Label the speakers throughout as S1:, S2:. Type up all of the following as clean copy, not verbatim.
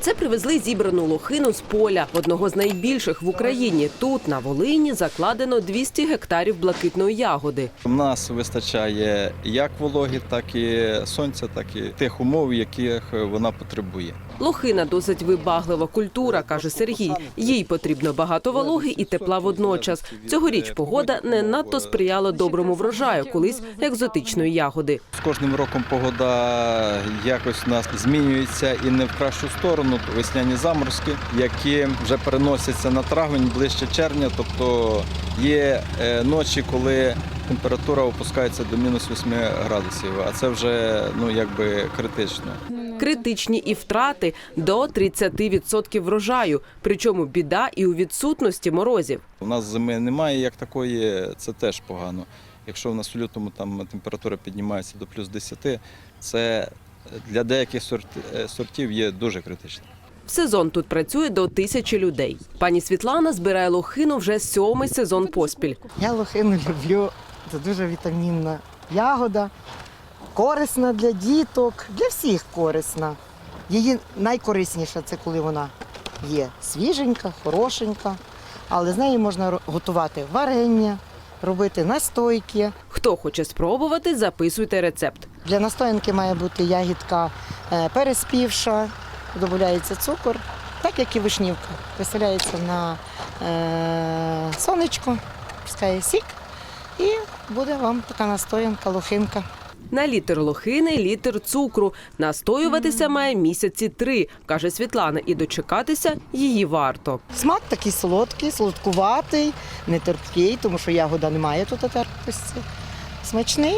S1: Це привезли зібрану лохину з поля, одного з найбільших в Україні. Тут, на Волині, закладено 200 гектарів блакитної ягоди.
S2: У нас вистачає як вологи, так і сонця, так і тих умов, яких вона потребує.
S1: Лохина – досить вибаглива культура, каже Сергій. Їй потрібно багато вологи і тепла водночас. Цьогоріч погода не надто сприяла доброму врожаю колись екзотичної ягоди.
S2: З кожним роком погода якось у нас змінюється і не в кращу сторону. Весняні заморозки, які вже переносяться на травень, ближче червня. Тобто є ночі, коли температура опускається до мінус 8 градусів, а це вже критично.
S1: Критичні і втрати до 30% врожаю. Причому біда і у відсутності морозів.
S2: У нас зими немає як такої, це теж погано. Якщо в нас у лютому температура піднімається до плюс 10, це для деяких сортів є дуже критично.
S1: В сезон тут працює до 1000 людей. Пані Світлана збирає лохину вже 7-й сезон поспіль.
S3: Я лохину люблю, це дуже вітамінна ягода, корисна для діток, для всіх корисна. Її найкорисніше – це коли вона є свіженька, хорошенька, але з неї можна готувати варення, робити настойки.
S1: Хто хоче спробувати, записуйте рецепт.
S3: Для настоянки має бути ягідка переспівша, додається цукор, так як і вишнівка. Виставляється на сонечко, пускає сік і буде вам така настоянка, лохинка.
S1: На літр лохини – літр цукру. Настоюватися має місяці 3, каже Світлана, і дочекатися її варто.
S3: Смак такий солодкий, солодкуватий, не терпкий, тому що ягода не має тут терпкості. Смачний,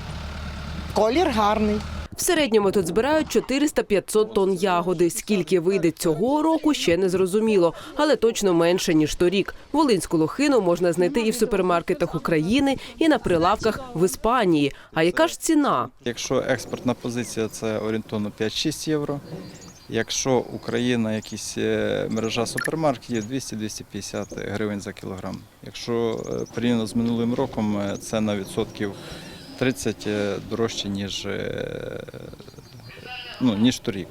S3: колір гарний.
S1: В середньому тут збирають 400-500 тонн ягоди. Скільки вийде цього року, ще не зрозуміло, але точно менше, ніж торік. Волинську лохину можна знайти і в супермаркетах України, і на прилавках в Іспанії. А яка ж ціна?
S2: Якщо експортна позиція – це орієнтовно 5-6 євро. Якщо Україна, якісь мережа супермаркетів, 200-250 гривень за кілограм. Якщо порівняно з минулим роком, це на відсотків 30 дорожче, ніж торік.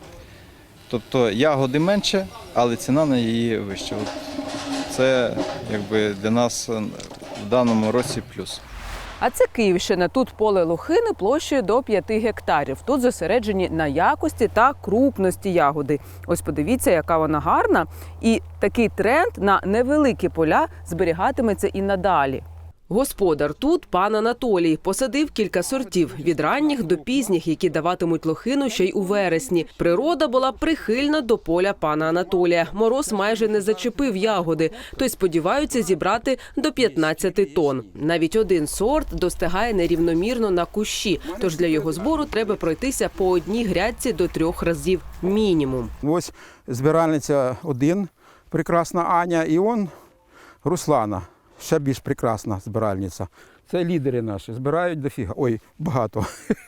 S2: Тобто ягоди менше, але ціна на її вища. Це для нас в даному році плюс.
S1: А це Київщина. Тут поле лохини площею до 5 гектарів. Тут зосереджені на якості та крупності ягоди. Ось подивіться, яка вона гарна. І такий тренд на невеликі поля зберігатиметься і надалі. Господар тут – пан Анатолій. Посадив кілька сортів – від ранніх до пізніх, які даватимуть лохину ще й у вересні. Природа була прихильна до поля пана Анатолія. Мороз майже не зачепив ягоди, то й сподіваються зібрати до 15 тонн. Навіть один сорт достигає нерівномірно на кущі, тож для його збору треба пройтися по одній грядці до 3 разів мінімум.
S4: Ось збиральниця один, прекрасна Аня, і он Руслана. Ще більш прекрасна збиральниця. Це лідери наші, збирають дофіга. Ой, багато.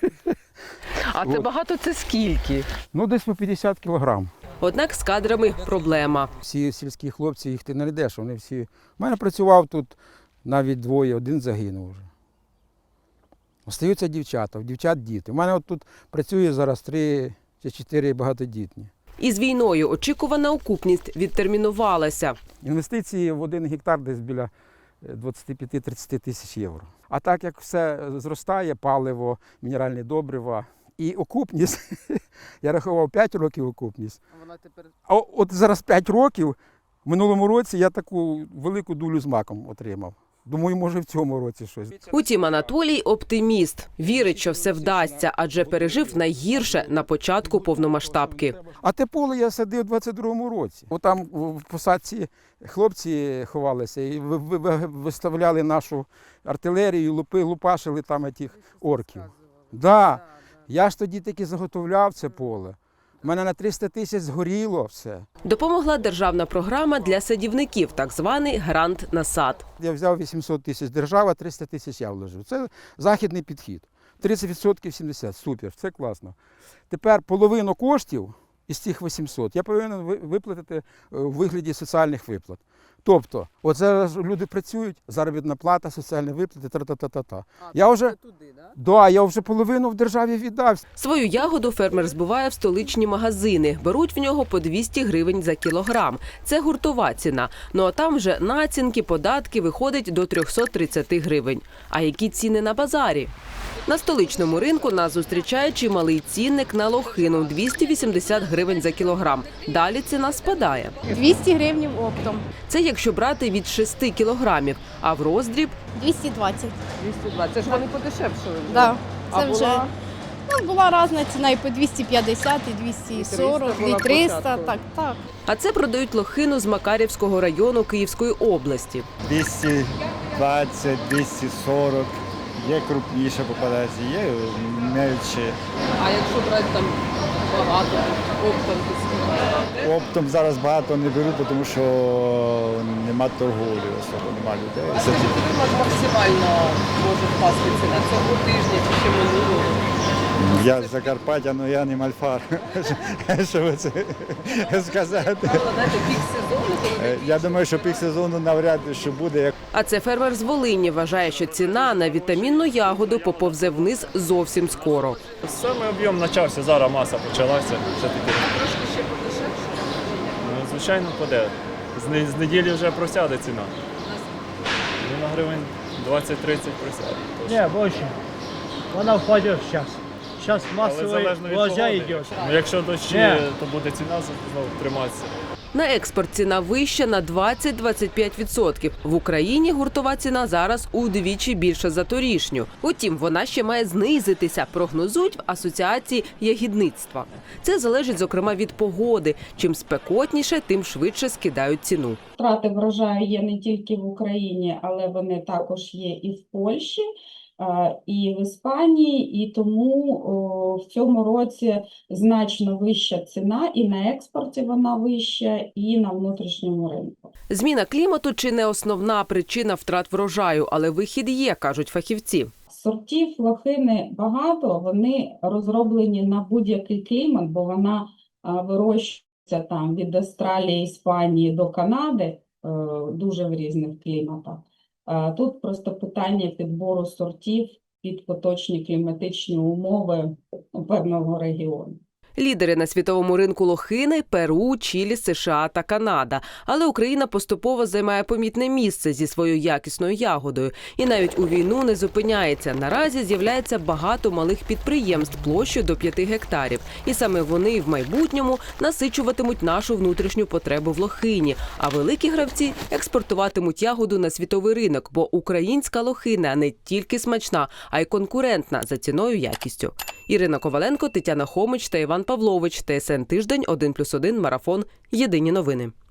S1: А це багато – це скільки?
S4: Десь по 50 кілограм.
S1: Однак з кадрами проблема.
S4: Всі сільські хлопці, їх ти не знайдеш, вони всі. У мене працював тут навіть 2, один загинув вже. Остаються дівчата, у дівчат діти. У мене тут працює зараз 3 чи 4 багатодітні.
S1: Із війною очікувана окупність відтермінувалася.
S4: Інвестиції в 1 гектар десь біля 25-30 тисяч євро. А так як все зростає, паливо, мінеральні добрива і окупність, я рахував 5 років окупність. А от зараз 5 років, в минулому році я таку велику дулю з маком отримав. Думаю, може в цьому році щось.
S1: Утім, Анатолій – оптиміст. Вірить, що все вдасться, адже пережив найгірше на початку повномасштабки.
S4: А те поле я садив у 22-му році. Там в посадці хлопці ховалися і виставляли нашу артилерію, лупашили там тих орків. Да. Я ж тоді таки заготовляв це поле. У мене на 300 тисяч згоріло все.
S1: Допомогла державна програма для садівників, так званий грант на сад.
S4: Я взяв 800 тисяч держава, 300 тисяч я вложив. Це західний підхід. 30% 70%. Супер, це класно. Тепер половину коштів із цих 800 я повинен виплатити у вигляді соціальних виплат. Тобто, от зараз люди працюють, заробітна плата, соціальні виплати, та-та-та-та-та. Я вже, я вже половину в державі віддав.
S1: Свою ягоду фермер збуває в столичні магазини. Беруть в нього по 200 гривень за кілограм. Це гуртова ціна. Ну а там вже націнки, податки виходить до 330 гривень. А які ціни на базарі? На столичному ринку нас зустрічає чималий цінник на лохину – 280 гривень за кілограм. Далі ціна спадає.
S5: 200 гривень оптом.
S1: Це якщо брати від 6 кілограмів, а в роздріб
S5: 220.
S1: 220. Це ж вони подешевшили.
S5: Да.
S1: А
S5: Це вже була різна ціна і по 250, і 240,
S1: була
S5: і 300.
S1: початку.
S5: Так.
S1: А це продають лохину з Макарівського району Київської області.
S6: 220, 240, є крупніше попадається, є менше.
S1: А якщо брати там багато, оптом, то
S6: Оптом зараз багато не беруть, тому що нема торговлі, особо нема людей.
S1: максимально може впасти ціна цього тижня чи ще минулого?
S6: Я з Закарпаття, але я не мальфар. Що ви це сказати?
S1: Знаєте, пік сезону, коли
S6: Я думаю, що пік сезону навряд ли що буде.
S1: А це фермер з Волині вважає, що ціна на вітамінну ягоду поповзе вниз зовсім скоро.
S7: Саме об'єм почався, зараз маса почалася. Все-таки.
S1: Трошки ще подешевше?
S7: Ну, звичайно, паде. З неділі вже просяде ціна. Ну, на гривень 20-30 просяде.
S8: Не, больше. Она впадет сейчас. Сейчас
S7: Але
S8: массовый
S7: залежно від
S8: урожай
S7: погоди.
S8: идет.
S7: Ну, якщо дощі,
S8: Ні.
S7: то буде ціна знову триматися.
S1: На експорт ціна вища на 20-25%. В Україні гуртова ціна зараз удвічі більша за торішню. Утім, вона ще має знизитися, прогнозують в Асоціації ягідництва. Це залежить, зокрема, від погоди. Чим спекотніше, тим швидше скидають ціну.
S9: Втрати врожаю є не тільки в Україні, але вони також є і в Польщі, і в Іспанії, і тому в цьому році значно вища ціна, і на експорті вона вища, і на внутрішньому ринку.
S1: Зміна клімату чи не основна причина втрат врожаю, але вихід є, кажуть фахівці.
S9: Сортів лохини багато, вони розроблені на будь-який клімат, бо вона вирощується там від Австралії, Іспанії до Канади, дуже в різних кліматах. Тут просто питання підбору сортів під поточні кліматичні умови певного регіону.
S1: Лідери на світовому ринку лохини – Перу, Чилі, США та Канада. Але Україна поступово займає помітне місце зі своєю якісною ягодою. І навіть у війну не зупиняється. Наразі з'являється багато малих підприємств площею до 5 гектарів. І саме вони в майбутньому насичуватимуть нашу внутрішню потребу в лохині. А великі гравці експортуватимуть ягоду на світовий ринок, бо українська лохина не тільки смачна, а й конкурентна за ціною і якістю. Ірина Коваленко, Тетяна Хомич та Іван Павлович. ТСН Тиждень, 1+1, Марафон. Єдині новини.